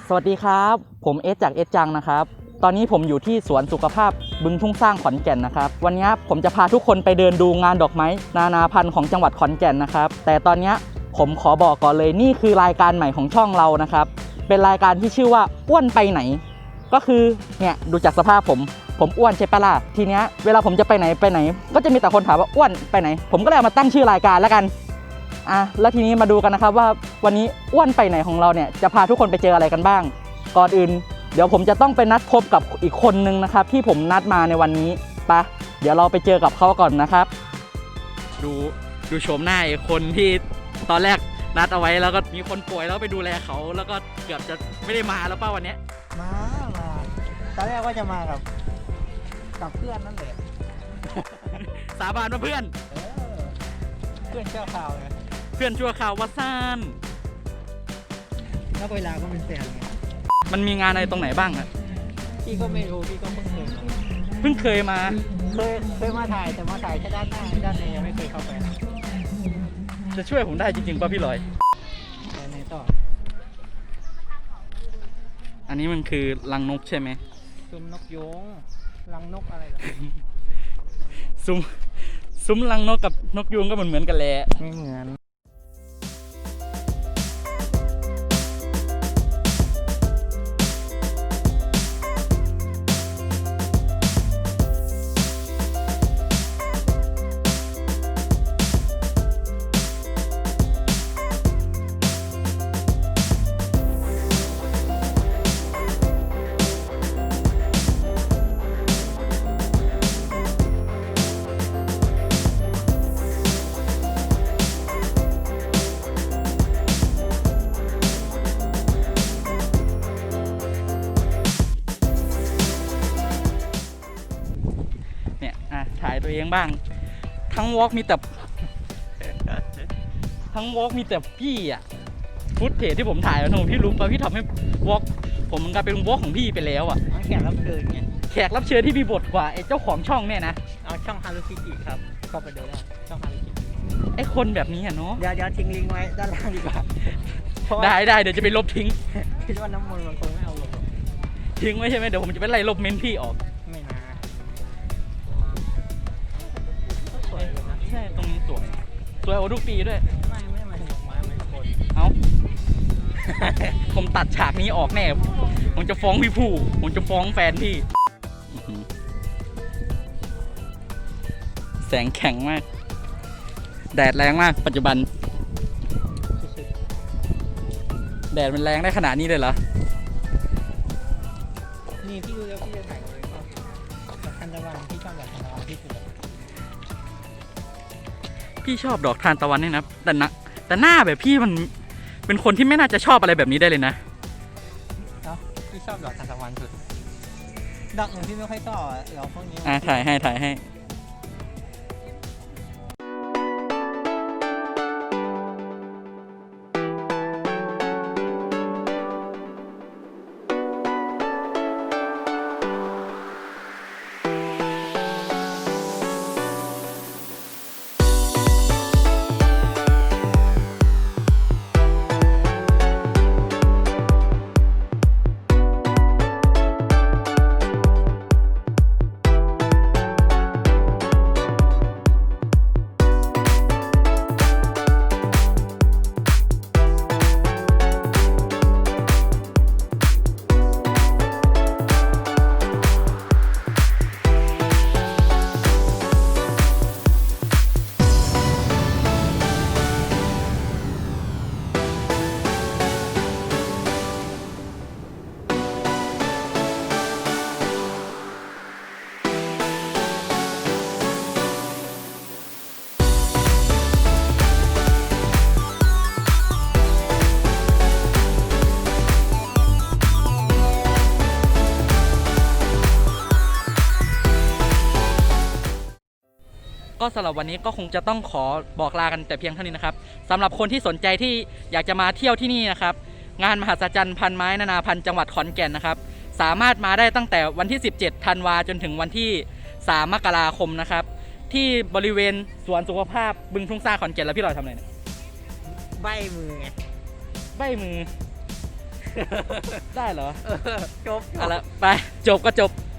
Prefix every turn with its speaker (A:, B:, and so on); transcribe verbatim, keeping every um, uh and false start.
A: สวัสดีครับผมเอสจากเอสจังนะครับตอนนี้ผมอยู่ที่สวนสุขภาพบึงทุ่งสร้างขอนแก่นนะครับวันนี้ผมจะพาทุกคนไปเดินดูงานดอกไม้นานาพันธุ์ของจังหวัดขอนแก่นนะครับแต่ตอนนี้ผมขอบอกก่อนเลยนี่คือรายการใหม่ของช่องเรานะครับเป็นรายการที่ชื่อว่าอ้วนไปไหนก็คือเนี่ยดูจากสภาพผมผมอ้วนใช่ปะล่ะทีเนี้ยเวลาผมจะไปไหนไปไหนก็จะมีแต่คนถามว่าอ้วนไปไหนผมก็เลยเอามาตั้งชื่อรายการแล้วกันอ่ะแล้วทีนี้มาดูกันนะครับว่าวันนี้อ้วนไปไหนของเราเนี่ยจะพาทุกคนไปเจออะไรกันบ้างก่อนอื่นเดี๋ยวผมจะต้องไปนัดพบกับอีกคนนึงนะครับที่ผมนัดมาในวันนี้ไปเดี๋ยวเราไปเจอกับเขาก่อนนะครับดูดูโฉมหน้าไอ้คนที่ตอนแรกนัดเอาไว้แล้วก็มีคนป่วยแล้วไปดูแลเขาแล้วก็เกือบจะไม่ได้มาแล้วป่ะวันนี้
B: มามาตอนแรกว่าจะมากับกับเพื่อนนั่นแหละ
A: สาบานว่าเพื่อน
B: เออเพื่อนเจ้าข่าวไง
A: เพื่อนชั่วข่าววัดซ่าน
B: แล้วเวลาก็เป็นแฟนไง
A: มันมีงานอะไรตรงไหนบ้างอะ
B: พี่ก็ไม่รู้พี่ก็เพิ่งเคยมา
A: เพิ่งเคยมา
B: เคยเคยมาถ่ายแต่มาถ่ายแค่ด้านหน้าด้านในยังไม่เคยเข้าไป
A: จะช่วยผมได้จริงๆป่ะพี่ลอย
B: ไปไหนต่อ
A: อันนี้มันคือรังนกใช่ไหม
B: ซุ้มนกยงรังนกอะไรล่ะ
A: ซุ้มซุ้มรังนกกับนกยูงก็เหมือนเหมือนกันแหละ
B: ไม่เหมือน
A: ถ่ายตัวเองบ้างทั้งวอล์กมีแต่ทั้งวอล์กมีแต่พี่อะฟุตเทจที่ผมถ่ายนะพี่รู้ป่ะพี่ทำให้วอล์กผมมันกลายเป็นวอล์กของพี่ไปแล้วอะ
B: แขกรับเชิญไง
A: แขกรับเชิญที่มีบทกว่าไอ้เจ้าของช่องเนี่ยนะ
B: เอาช่องฮารุคิกิครับก็ไปดูได้ช่องฮารุคิกิ
A: ไอ้คนแบบนี้อะเนาะ
B: เดี๋ยวเดี๋ยวทิ้งลิงก์ไว้ด้านล่างดีกว่า
A: ได้ได้เดี๋ยวจะไปลบทิ้ง
B: คิดว่าน้ำมนต์มันคงไม่เอาลง
A: ทิ้งไว้ใช่ไหมเดี๋ยวผมจะไปไล่ลบเมนพี่ออก
B: ไม่นะ
A: ใช่ตรงนี้สวยสวยโอ้ทุกปีด้วย
B: ไม่ไม่มาถึงไม้ไม่คน
A: เอ้า ผมตัดฉากนี้ออกแน่ผมจะฟ้องพี่ผู้ผมจะฟ้องแฟนพี่แสงแข็งมากแดดแรงมากปัจจุบันแดดมันแรงได้ขนาดนี้เลยเหรอ
B: นี่พี่ดูแล้วพี่จะถ่ายอะไรก็ทันตะวันพี่ชอบแบบทันตะวันที่สุด
A: พี่ชอบดอกทานตะวันนี่นะแต่นะแต่หน้าแบบพี่มันเป็นคนที่ไม่น่าจะชอบอะไรแบบนี้ได้เลยนะ
B: เนาะพี่ชอบดอกทานตะวันสุดดอกอื่นพี่ไม่ค่อยชอบดอกพวกนี้
A: อ่ะถ่ายให้ถ่ายให้ก็สำหรับวันนี้ก็คงจะต้องขอบอกลากันแต่เพียงเท่านี้นะครับสำหรับคนที่สนใจที่อยากจะมาเที่ยวที่นี่นะครับงานมหัศจรรย์พันไม้นานาพันธุ์จังหวัดขอนแก่นนะครับสามารถมาได้ตั้งแต่วันที่สิบเจ็ดธันวาจนถึงวันที่สามมกราคมนะครับ ที่บริเวณสวนสุขภาพบึงทุ่งสร้างขอนแก่นแล้วพี่ลอยทำอะไรเนี่ย
B: ใบมือไง
A: ใบมือได้เหรอ
B: จบ
A: เอาละไปจบก็จบ